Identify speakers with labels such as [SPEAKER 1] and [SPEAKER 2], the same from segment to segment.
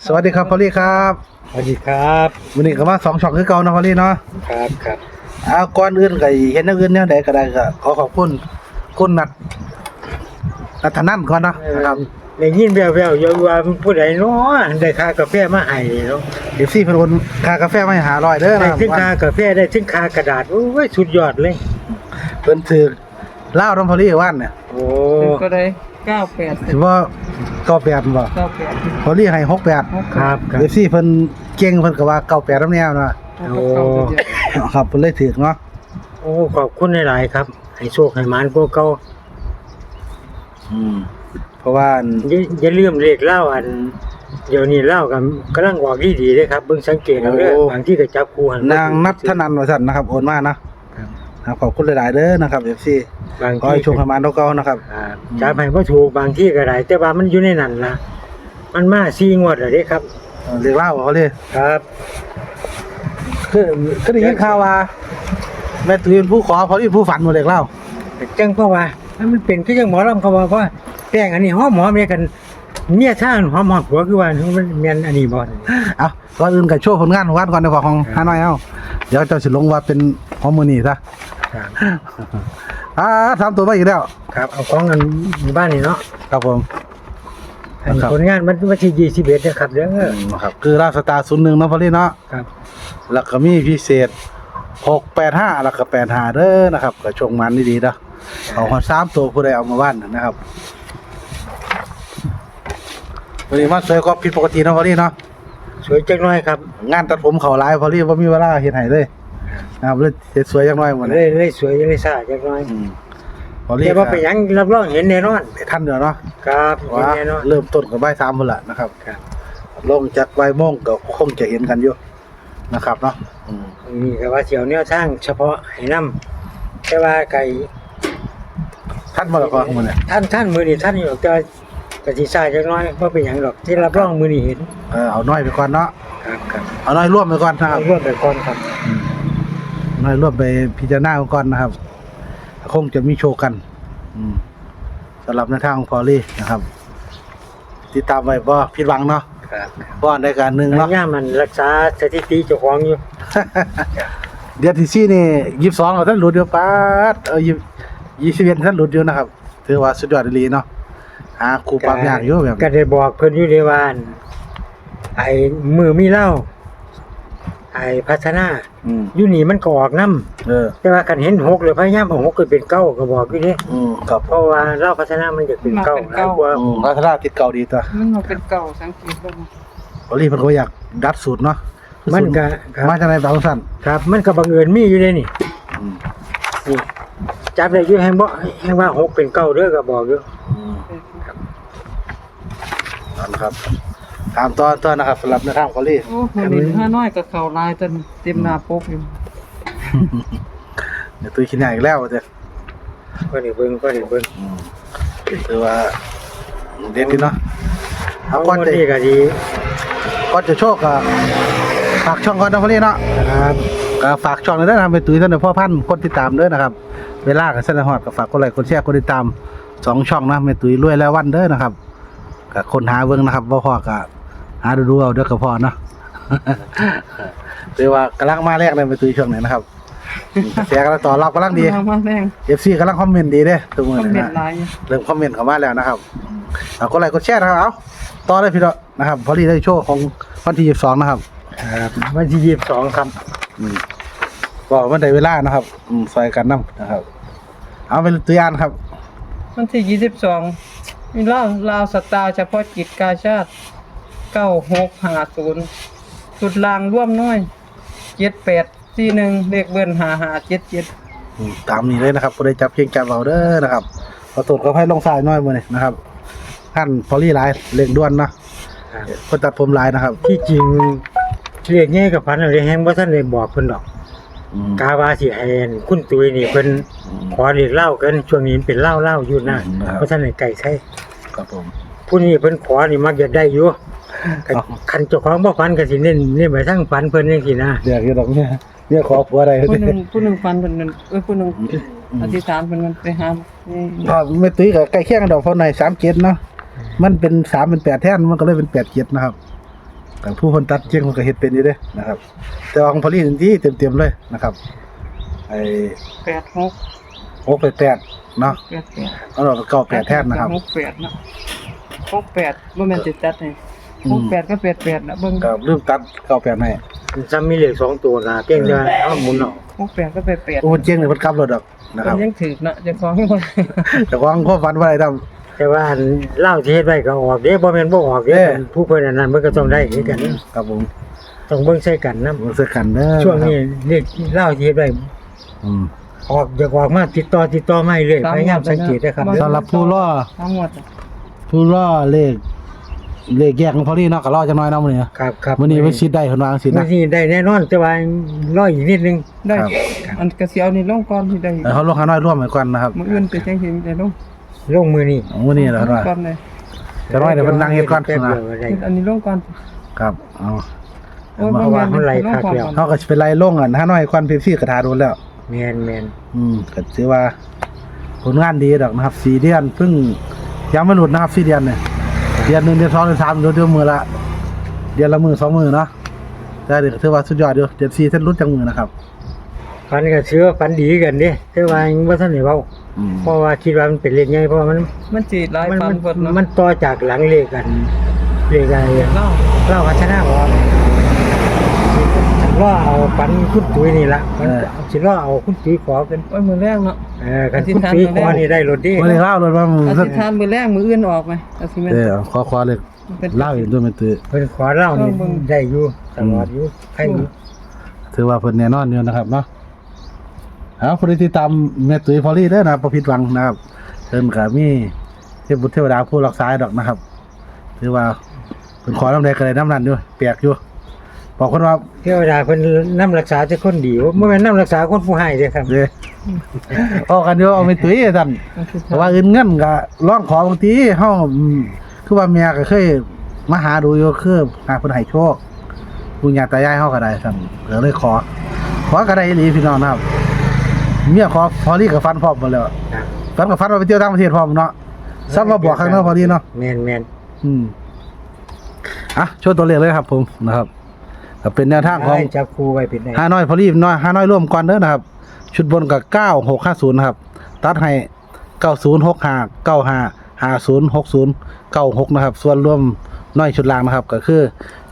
[SPEAKER 1] สวัสดีครับพอลลี่ครับ
[SPEAKER 2] สวัสดีครับ
[SPEAKER 1] วันนี้ก็มา2ช่องคือเก่านะพอลลี่เนาะ
[SPEAKER 2] ครับ
[SPEAKER 1] ก่อนอื่นก็เห็นอย่างอื่นแนวใดก็ได้ก็ขอขอบคุณคุณนัทนันก่อนนะครับ
[SPEAKER 2] ได้ยินแว่วๆอยู่ว่าผู้ใดเนาะได้ค่ากาแฟมาให้เนาะ
[SPEAKER 1] FC เพิ่นโอนค่ากาแฟมาให้500เด้อ
[SPEAKER 2] ได้
[SPEAKER 1] นะครับ
[SPEAKER 2] ถึงค่ากาแฟได้ถึงค่ากระดาษโอ้ยสุดยอดเลย
[SPEAKER 1] เพิ่นถือลาวนํพอลลี่ว่านเนี่ย
[SPEAKER 2] โอ้
[SPEAKER 3] ก็ได้98
[SPEAKER 1] ถือว่า98บ่
[SPEAKER 3] 98
[SPEAKER 1] พอลลี่ให้68
[SPEAKER 2] ครับ
[SPEAKER 1] FC เพิ่นเก่งเพิ่นก็ว่า98นำแนวนะ
[SPEAKER 2] โอ้
[SPEAKER 1] ครับเพิ่นเลยถือเนาะ
[SPEAKER 2] โอ้ขอบคุณหลายๆครับให้โชคให้หมานพวกเก่า
[SPEAKER 1] เพราะว่า
[SPEAKER 2] อย่าลืมเลขเล่าอันเดี๋ยวนี้เล่ากันกำลังออกดีๆเด้ครับเบิ่งสังเกตเอาเด้อบางที่ก็จับคู่หัน
[SPEAKER 1] นางนัทนันว่าซั่นนะครับโอนมานะครับขอบคุณหลายๆเด้อนะครับ FC
[SPEAKER 2] บาง
[SPEAKER 1] ขอ
[SPEAKER 2] ที่
[SPEAKER 1] ให้โชคให้หมานเก่าๆนะครับ
[SPEAKER 2] จับให้บ่ถูกบางที่ก็ได้แต่ว่ามันอยู่ในนั้นล่ะมันมา4งวดแล้วเด้ครับ
[SPEAKER 1] เรียกเล่าเขาเลย
[SPEAKER 2] ครับ
[SPEAKER 1] คือได้ยินข่าวว่าแม่ตุ้ยเป็นผู้ขอเขาที่ผู้ฝันหมดเรียกเล่า
[SPEAKER 2] จังเพราะว่ามันเป็นคือจังหมอลำเขาว่าแป้งอันนี้หอมเมียกันเมียท่านหอมผัวคือว่ามันแม่นอันนี้บ่
[SPEAKER 1] เอาก่อนอื่นกับโชว์ผลงานของวัดก่อนในของฮานอยเอาเดี๋ยวเจ้าสิลงว่าเป็นของมือนี่ซะ
[SPEAKER 2] ครับ
[SPEAKER 1] ทำตัวมาอีกแล้ว
[SPEAKER 2] ครับเอาของกันบ้านนี่เนาะ
[SPEAKER 1] ครับผม
[SPEAKER 2] อันผลงานมันวันที่21นะครับเด้อ
[SPEAKER 1] ครับคือราชสตาร์01เนาะพอลี่เนาะ
[SPEAKER 2] ครับ
[SPEAKER 1] แล้วก็มีพิเศษ685แล้วก็85เด้อนะครับก็ชงมันดีๆเด้อเอาฮอด3ตัวผู้ใดเอามาบ้านนะครับวันนี้มาสวยกว่าผิดปกติเนาะพอลี่เนาะ
[SPEAKER 2] สวยจังน้อยครับ
[SPEAKER 1] งานตัดผมเขาหลายพอลี่บ่มีเวลาเฮ็ดให้เลยนะครับเลยเฮ็ดสวยจังน้อยหมด
[SPEAKER 2] เลยสวยเลยซ่าจังน้อย
[SPEAKER 1] พอลี่
[SPEAKER 2] แต่ว่าไปหยังรับรองเห็นแน่นอน
[SPEAKER 1] ทันเดี๋ยวเนาะ
[SPEAKER 2] ครับเห็น
[SPEAKER 1] ว่า
[SPEAKER 2] แน่นอน
[SPEAKER 1] เริ่มต้นกับบ่าย3พุ่นล่ะนะครับ
[SPEAKER 2] ครับ
[SPEAKER 1] ลงจากบ่ายโมงก็คงจะเห็นกันอยู่นะครับเนาะ
[SPEAKER 2] นี่ก็ว่าเสี่ยวแนวทางเฉพาะให้นำแต่ว่าไก่
[SPEAKER 1] ทันบ่ล่ะพ่อมื้อนี้
[SPEAKER 2] ท่านมือนี่ท่านอยู่แต่กะสิซ่าจักหน้อยบ่เป็นหยังดอกที่รับรองมือนี่เห็น
[SPEAKER 1] เอาน้อยไปก่อนเนาะ
[SPEAKER 2] ครับ
[SPEAKER 1] เอาน้อยร่วมไปก่อนนะค
[SPEAKER 2] เอา
[SPEAKER 1] รับ
[SPEAKER 2] ร่วมไปก่อนครับ
[SPEAKER 1] น้อยร่วมไปพิจารณาก่อนนะครับ คงจะมีโชว์กันสำหรับในทางของพอลี่นะครับ ติดตามไว้บ่ผิดหวังเนาะ
[SPEAKER 2] ครับ
[SPEAKER 1] บ่อนได้การหนึง
[SPEAKER 2] พ
[SPEAKER 1] เนาะ
[SPEAKER 2] ยายามมันรักษาสถิติเจ้าของอยู่
[SPEAKER 1] เดือนที่4นี่22เอาท่านหลุดอยู่ปาด21ท่านหลุดอยู่นะครับถือว่าสุดยอดอีหลีเนาะหาครูปรับยากอยู่แบบ
[SPEAKER 2] ก็ได้บอกเพิ่นอยู่ในว่าไอ้มือมีเหล้าไอ้พัฒนาอยู่นี่มันก็ออกนำแต่ว่าคันเห็น6เลยพยายามเอา6ขึ้นเป็น9ก็บอกอยู่เด้
[SPEAKER 1] ครับ
[SPEAKER 2] เพราะว่าเหล้าพัฒนามันจะเป็น9หลายกว่า
[SPEAKER 1] รัฐราชติดเก่าดีตัว
[SPEAKER 3] มันมาเป็นเก่าสังเกตบ่
[SPEAKER 1] พอลี่เพิ่นก็อยากดัดสูตรเนาะ
[SPEAKER 2] มันก็ครับ
[SPEAKER 1] มาจากไหนบางสั้น
[SPEAKER 2] ครับมันก็บังเอิญมีอยู่ในนี่นี่จับได้อยู่แฮงบ่แฮงว่า6เป็น9เด้อก็บอกอยู่
[SPEAKER 1] นั่นครับตามตอนนะครับสำหรับในทางพอลี่
[SPEAKER 3] โอ้มื้อนี้ห้าน้อยก็เข้าลายจนเต็มหน้าปกอยู่
[SPEAKER 1] เดี๋ยวตุ้ยขี้หน้าอีกแล้วเด้อ
[SPEAKER 2] ก็นี่เบิ่ง
[SPEAKER 1] คือว่าเด็ดดีเนาะ
[SPEAKER 2] เอา
[SPEAKER 1] ก่อน
[SPEAKER 2] คน
[SPEAKER 1] จะ
[SPEAKER 2] นี้ก็ดี
[SPEAKER 1] ก่อนจะโชคก็ฝากช่องก่อนนะพอลี่เนาะ
[SPEAKER 2] ครับ
[SPEAKER 1] ก็ฝากช่องเลยนะครับเป็นตุ้ยท่านในพ่อพันธุ์คนติดตามเด้อนะครับ เวลากับเส้นฮอดก็ฝากกดไลค์กดแชร์กดติดตาม2ช่องนะแม่ตุ้ยรวยแล้ววันเด้อนะครับก็คนหาเบิ่งนะครับบ่พอก็หาดูๆเอาเด้อก็พอเนาะ คือว่ากำลังมาแรกเลยแม่ตุ้ยช่วงนี้นะครับกระแสกำลังตอบรับกำลังดี
[SPEAKER 3] มาแรง
[SPEAKER 1] FC กำลังคอมเมนต์ดีเด้ทุกมื้อ
[SPEAKER 3] คอม
[SPEAKER 1] นี้
[SPEAKER 3] เมน
[SPEAKER 1] นะ
[SPEAKER 3] ต์หลาย
[SPEAKER 1] เริ่มคอมเมนต์เข้ามาแล้วนะครับเอากดไลค์กดแชร์นะครับเอาต่อเลยพี่น้องนะครับพอดีได้โชว์ของวันที่22นะครับ
[SPEAKER 2] ครับวันที่22ครับ
[SPEAKER 1] ก็มันได้เวลานะครับซอยกันนํนะครับ เอาเป็นตัวอย่างครับ
[SPEAKER 3] วันที่22มีลาวสตาร์เฉพาะกิจกาชาติ9650สุดลางร่วมน้อย7841เลขเบิ้น5577
[SPEAKER 1] ตามนี้เลยนะครับผู้ใดจับเพียงจับเอาเด้อนะครับขอโทษขอให้ลงสายน้อยมื้อนี้นะครับท่านพอลี่หลายเร่งด่วนเนาะคนตัดผมหลายนะครับ
[SPEAKER 2] ที่จริงเรียกง่ายกับพันอะไรแฮงบ่ทันได้บอกเพิ่นดอกกาว่าสิให้คุณตุ้ยนี่เพิ่นขอเรียกเหล้ากันช่วงนี้เป็นเหล้าอยู่นะบ่ทันได้ไก่ใช้
[SPEAKER 1] ครับผม
[SPEAKER 2] ผู้นี้เพิ่นขอนี่มักจะได้อยู่คันเจ้าของบ่ฟันก็สิเน้นไปทางฟันเพิ่นจังซี่นะ
[SPEAKER 1] เดี๋ยวอยู่ดอกเนี่ยขอผัวอะไร
[SPEAKER 3] ผู้หนึงฟันเพิ่นนั่นผู้หนึงอธิษฐานเพิ่นมันไปหานี่
[SPEAKER 1] พอไม่ตุ้ยกับใกล้เคียงกันดอกเพราะใน37เนาะมันเป็น3เป็น8แท่นมันก็เลยเป็น87นะครับแต่ผู้คนตัดเจียงมันก็เฮ็ดเป็นอยู่เด้นะครับ แต่ว่าของพอลี่ที่เต็มๆเลยนะครับไอ้
[SPEAKER 3] 86
[SPEAKER 1] 688เนาะ
[SPEAKER 3] 88
[SPEAKER 1] เอาเราก็98แทนนะครับ
[SPEAKER 3] 68เนาะ68บ่แม่นสิตัดให้68ก็88นะเบิ่ง
[SPEAKER 1] ก็ลืมตัด98ให้
[SPEAKER 2] ซ้ำมีเลข2ตัวนะเก่งเด้อเอาหมุนเอา
[SPEAKER 3] 68ก็88
[SPEAKER 1] โอ้เจียงนี่เพิ่นกลับรถดอกนะค
[SPEAKER 3] มั
[SPEAKER 1] รับ
[SPEAKER 3] นยังถึกเนาะเจ้าของคน
[SPEAKER 1] แต่ว่าความฝันว่าอะไรทำ
[SPEAKER 2] แต่ว่าอันเล่าที่เฮ็ดไว้ก็ออกเด้บ่แม่นบ่ออกเด้
[SPEAKER 1] เด้
[SPEAKER 2] ผู้เพิ่นอันนั้นเพิ่นก็ต้องได้คือกัน
[SPEAKER 1] ครับผม
[SPEAKER 2] ต้องเบิ่งใส่กันนำ
[SPEAKER 1] รู้สึกกันเด้อ
[SPEAKER 2] ช่วงนี้เลขเล่าที่เฮ็ดไว้
[SPEAKER 1] อืม
[SPEAKER 2] ออกอยากออกมาติดต่อมาเรื่อยพยายามสังเกตนะครับ
[SPEAKER 1] สำหรับผู้ล่อ
[SPEAKER 3] ทั้งหมด
[SPEAKER 1] ผู้ล่อเลขแยกของพอลี่เนาะก็รอจังน้อยเนาะมื้อนี้
[SPEAKER 2] ครับ
[SPEAKER 1] มื้อนี้ไว้ชิดได้เพิ่นว่าจังซี่
[SPEAKER 2] มื้
[SPEAKER 1] นะ
[SPEAKER 2] อนี้ได้แน่นอนแต่ว่ารออีกนิดนึง
[SPEAKER 3] ได้
[SPEAKER 1] ครับ
[SPEAKER 3] อันกระเสียวนี่ลงก่อนที่ได้
[SPEAKER 1] เฮาลงหาน้อยร่วมกันก่อนนะครับ
[SPEAKER 3] มื้ออื่นไปจังสิได้ลง
[SPEAKER 2] ลงมือนี้
[SPEAKER 1] มื้อนี้ล่ะว่า
[SPEAKER 3] ก่อนเลย
[SPEAKER 1] จะน้อยเดี๋ยวเพิ่นนั่งเฮ็ดก่อน
[SPEAKER 2] แป๊บ
[SPEAKER 1] นะ
[SPEAKER 2] เดียวก็ได้
[SPEAKER 3] อันนี้ลงก่อน
[SPEAKER 1] ครับเอา
[SPEAKER 3] โอ้ย
[SPEAKER 2] เพราะว่ามันไหลคักแล้ว
[SPEAKER 1] เฮาก็สิไปไล่ลงหาน้อยควันเป๊ปซี่กระทาโดนแล้ว
[SPEAKER 2] แม่น
[SPEAKER 1] ก็ถือว่าผลงานดีดอกนะครับ4เดือนเพิ่งยังไม่หลุดนะครับ4เดือนเนี่ยเดือน1เดือน2เดือน3เดือนมือละเดือนละมือ2มือเนาะแต่เดี๋ยวถือว่าสุดยอดอยู่เดือน4เส้นรุดจังมือนะครับ
[SPEAKER 2] ฝันก็เชื่อฝันดีกันเด้แต่ว่ายังบ่ทันได้เว้า
[SPEAKER 1] อืม
[SPEAKER 2] เพราะว่าคิดว่ามันเป็นเลขใหญ่เพราะว่ามัน
[SPEAKER 3] มันสิหลาย
[SPEAKER 2] มัน
[SPEAKER 3] ฟันเพิ่นเนาะ
[SPEAKER 2] มันต่อจากหลังเลขกันเลขอะไร
[SPEAKER 3] เล่า
[SPEAKER 2] เล่าพัฒนาบ่ล่อเอาฝันคุณตุ้ยนี่ล่ะมันสิล่อเอาคุณตุ้ยขอเป็น
[SPEAKER 3] โอ้ยมื้อแรกเนาะ
[SPEAKER 2] คันคุณตุ้ยขอนี่ได้รถดี
[SPEAKER 1] บ่ได้เล่าเลยว่ามือ
[SPEAKER 3] อธิษฐานมื้อแรกมื้ออื่นออกไหมอาสิแม่น
[SPEAKER 1] ขอเลยเล่าอยู่ด้วยมันตือ
[SPEAKER 2] เพิ่นขอเล่านี่ได้อยู่ตลอดอยู่ใครอยู่
[SPEAKER 1] ถือว่าเพิ่นแน่นอนอยู่นะครับเนาะเอาผู้ที่ติดตามแม่ตุ้ยพอลี่เด้อนะครับบ่ผิดหวังนะครับเพิ่นก็มีเทพบุตรเทวดาผู้รักษาดอกนะครับถือว่าเพิ่นขอนำใดก็ได้นำนั้นอยู่แปลกอยู่บอกคนว่า
[SPEAKER 2] เทวดาเพิ่นนำรักษาแต่คนดีบ่แม่นนำรักษาคนผู้ให้เด้อครับ
[SPEAKER 1] เด้เอากันอยู่เอาไปตุ้ยท่านแต่ว่าอื่นเงินก็ร้องขอบางทีเฮาคือว่าแม่ก็เคยมาหาดูอยู่คือหาเพิ่นให้โชคปู่ย่าตายายเฮาก็ได้ท่านก็เลยขอก็ได้อีหลีพี่น้องนะครับเมียขอพอลี่ก็ฟันพร้อมหมดแล้วฟันก็ฟันว่าไปเที่ยวต่างประเทศพร้อมเนาะซับมาบอกข้างนอกพอดีเนาะ
[SPEAKER 2] แม่น
[SPEAKER 1] โชว์ตัวเลขเลยครับผมนะครับก็เป็นแนวทางของ
[SPEAKER 2] ให้จับคู่ไว้เป็นได้
[SPEAKER 1] ห้าน้อยพอลี่น้อยห้าน้อยร่วมก่อนเด้อนะครับ ชุดบนกับ9650นะครับตัดให้9065 95 50 60 96นะครับส่วนรวมน้อยชุดล่างนะครับก็คือ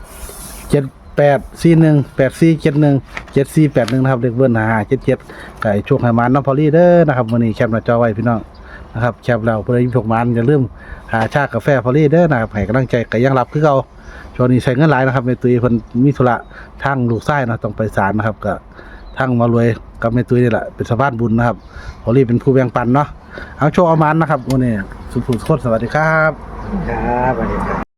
[SPEAKER 1] 7841 8471 7481นะครับเลขเบิ้ล5577ไก่ช่วงให้มันน้องพอลี่เด้อนะครับวันนี้แคปหน้าจอไว้พี่น้องนะครับแคปแล้วเพื่อให้พวกมันอย่าลืมหาชากาแฟพอลี่เด้อนะครับให้กำลังใจก็ยังรับคือเก่าช่วงนี้ใช้เงินหลายนะครับแม่ตุ้ยเพิ่นมีธุระทางลูกชายนะต้องไปศาลนะครับก็ทางมารวยกับแม่ตุ้ยนี่แหละเป็นสะพานบุญนะครับพอลี่เป็นผู้แบ่งปันเนาะเอาโชคเอามันนะครับวันนี้สุขๆสวัสดีครับ
[SPEAKER 2] ครับสวัสดีครับ